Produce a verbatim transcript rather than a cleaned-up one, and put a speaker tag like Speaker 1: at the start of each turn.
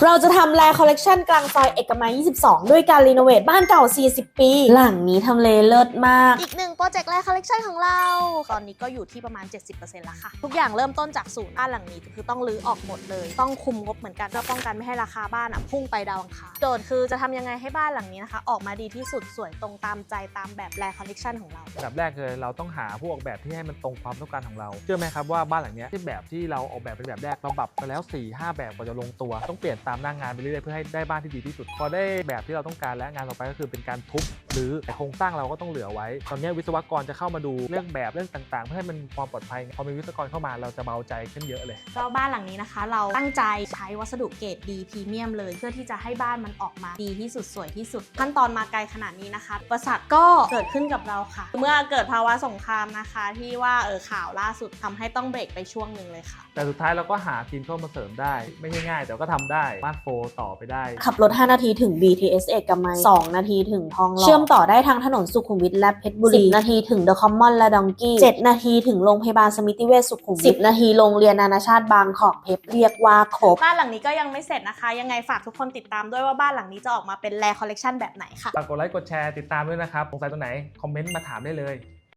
Speaker 1: เราจะทำแลคอลเลกชันกลางซอยเอกมัยยี่สิบสองด้วยการรีโนเวทบ้านเก่าสี่สิบปีหลังนี้ทำเลเลิศมาก
Speaker 2: อีกหนึ่งโปรเจกต์แลคอลเลกชันของเราตอนนี้ก็อยู่ที่ประมาณ เจ็ดสิบเปอร์เซ็นต์ แล้วค่ะทุกอย่างเริ่มต้นจากศูนย์บ้านหลังนี้คือต้องรื้อออกหมดเลยต้องคุมงบเหมือนกันเพื่อป้องกันไม่ให้ราคาบ้านอ่ะพุ่งไปดาวอังคารโจทย์คือจะทำยังไงให้บ้านหลังนี้นะคะออกมาดีที่สุดสวยตรงตามใจตามแบบแลคอลเลกชันของเรา
Speaker 3: แบบแรกเลยเราต้องหาผู้ออกแบบที่ให้มันตรงความต้องการของเราเชื่อไหมครับว่าบ้านหลังนี้ที่แบบที่เราออกแบบเป็นแบบแรกเราปรับไปแล้ว สี่ห้า แบบกว่าจะลงตัวต้องเปลี่ยนตามหน้างานไปเรื่อยๆเพื่อให้ได้บ้านที่ดีที่สุดพอได้แบบที่เราต้องการและงานต่อไปก็คือเป็นการทุบหรือโครงสร้างเราก็ต้องเหลือไว้ตอนนี้วิศวกรจะเข้ามาดูเรื่องแบบเรื่องต่างๆเพื่อให้มันความปลอดภัยพอมีวิศวกรเข้ามาเราจะเบาใจขึ้นเยอะเลย
Speaker 2: ก็บ้านหลังนี้นะคะเราตั้งใจใช้วัสดุเกรดดีพรีเมียมเลยเพื่อที่จะให้บ้านมันออกมาดีที่สุดสวยที่สุดขั้นตอนมาไกลขนาดนี้นะคะอุปสรรคก็เกิดขึ้นกับเราค่ะเมื่อเกิดภาวะสงครามนะคะที่ว่าเออข่าวล่าสุดทำให้ต้องเบรกไปช่วงหนึ่งเลยค่ะ
Speaker 3: แต่สุดท้ายเราก็หาทีมเข้ามาเสริมได้ไม่ง่ายๆแต่ก็ทำได้บ้านโฟต่อไปได้
Speaker 1: ขับรถห้านาทีถึง บี ที เอส เอกมัยสองนาทีถึงทองหล่อเชื่อมต่อได้ทางถนนสุขุมวิทและเพชรบุรีสิบนาทีถึงเดอะคอมมอนและดองกี้เจ็ดนาทีถึงโรงพยาบาลสมิติเวชสุขุมวิทสิบนาทีโรงเรียนนานาชาติบางกอกเพชรเรียกว่าครบ
Speaker 2: บ้านหลังนี้ก็ยังไม่เสร็จนะคะยังไงฝากทุกคนติดตามด้วยว่าบ้านหลังนี้จะออกมาเป็นแลคอลเลกชันแบบไหนค่ะ
Speaker 3: ฝากกดไลค์กดแชร์ติดตามด้วยนะครับสงสัยตรงไหนคอมเมนต์มาถามได้เลย